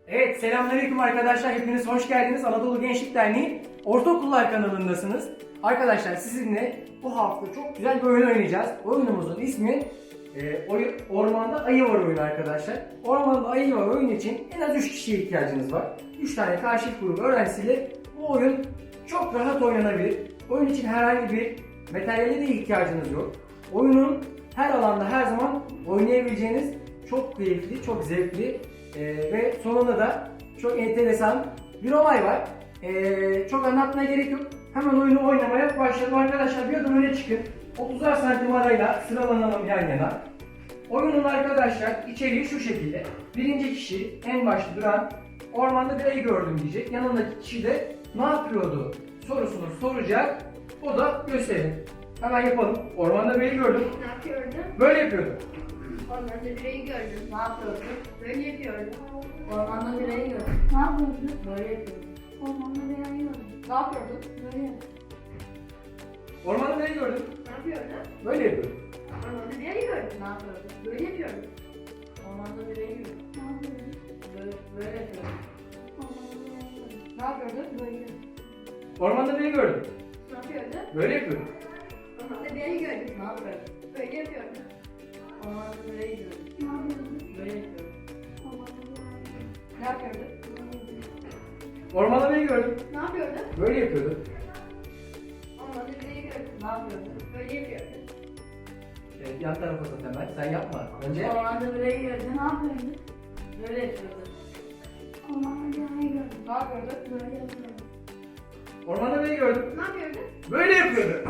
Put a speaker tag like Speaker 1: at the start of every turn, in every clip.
Speaker 1: Evet, selamünaleyküm arkadaşlar. Hepiniz hoş geldiniz. Anadolu Gençlik Derneği Ortaokullar kanalındasınız. Arkadaşlar sizinle bu hafta çok güzel bir oyun oynayacağız. Oyunumuzun ismi Ormanda Ayı Var oyunu arkadaşlar. Ormanda Ayı Var oyunu için en az 3 kişiye ihtiyacınız var. 3 tane karşılık grubu öğrencisiyle bu oyun çok rahat oynanabilir. Oyun için herhangi bir materyale de ihtiyacınız yok. Oyunun her alanda her zaman oynayabileceğiniz çok keyifli, çok zevkli ve sonunda da çok enteresan bir olay var. Çok anlatmaya gerek yok. Hemen oyunu oynamaya başlayalım arkadaşlar. Bir adım öne çıkın. 30'ar santim arayla sıralanalım yan yana. Oyunun arkadaşlar içeriği şu şekilde. Birinci kişi en başta duran ormanda bir ayı gördüm diyecek. Yanındaki kişi de ne yapıyordu sorusunu soracak. O da gösterir. Hemen yapalım. Ormanda bir ayı gördüm.
Speaker 2: Ne yapıyordun?
Speaker 1: Böyle yapıyordum.
Speaker 2: Ormanda bireyi gördüm. Ne yapıyordun? Böyle yapıyordum.
Speaker 3: Ormanda bir ayı gördüm.
Speaker 2: Ne yapıyordun?
Speaker 3: Böyle yapıyorum.
Speaker 2: Ormanda bireyi gördüm.
Speaker 3: Ne yapıyordun?
Speaker 2: Böyle yapıyordum.
Speaker 1: Ormanda bir ayı gördüm.
Speaker 2: Ne yapıyordun?
Speaker 1: Böyle yapıyordum.
Speaker 2: Ormanda bireyi gördüm.
Speaker 3: Ne yapıyordun?
Speaker 2: Böyle yapıyordum.
Speaker 3: Ormanda bir ayı gördüm.
Speaker 2: Ne yapıyordun?
Speaker 3: Böyle yapıyorum.
Speaker 2: Ormanda bireyi gördüm.
Speaker 3: Ne yapıyordun?
Speaker 2: Böyle.
Speaker 1: Ormanda bir ayı gördüm.
Speaker 2: Ne yapıyordun?
Speaker 1: Böyle yapıyordum.
Speaker 2: Ormanda bireyi gördüm.
Speaker 3: Ne yapıyordun?
Speaker 2: Böyle yapıyordum.
Speaker 3: Ormanda bir ayı gördüm.
Speaker 2: Ne yapıyordun?
Speaker 3: Böyle yapıyorum.
Speaker 2: Ormanda bireyi gördüm.
Speaker 3: Ne yapıyordun?
Speaker 1: Ormanda bir ayı gördüm.
Speaker 2: Ne yapıyordun?
Speaker 1: Böyle yapıyordum.
Speaker 2: Ormanda bireyi gördüm.
Speaker 3: Ne yapıyordun?
Speaker 2: Böyle yapıyordum.
Speaker 1: Evet, yan tarafa tut hemen. Sen yapma. Önce
Speaker 3: Ormanda bir ayı gördüm.
Speaker 2: Ne yapıyordun?
Speaker 3: Böyle yapıyordun.
Speaker 2: Ormanda bireyi gördüm.
Speaker 3: Ne yapıyordun?
Speaker 2: Böyle yapıyordum.
Speaker 1: ormanda bir ayı gördüm.
Speaker 2: Ne yapıyordun?
Speaker 1: Böyle yapıyordum.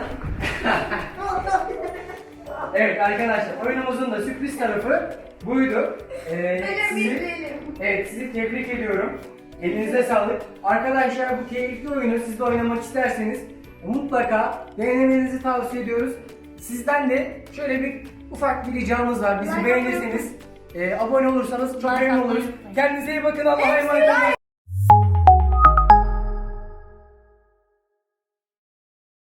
Speaker 1: Evet arkadaşlar, oyunumuzun da sürpriz tarafı buydu. Sizi tebrik ediyorum. Elinize sağlık. Arkadaşlar bu keyifli oyunu siz de oynamak isterseniz mutlaka denemenizi tavsiye ediyoruz. Sizden de şöyle bir ufak bir ricamız var. Bizi
Speaker 2: Like
Speaker 1: beğenirseniz, abone olursanız çok memnun oluruz. Kendinize iyi bakın. Allah'a emanet olun.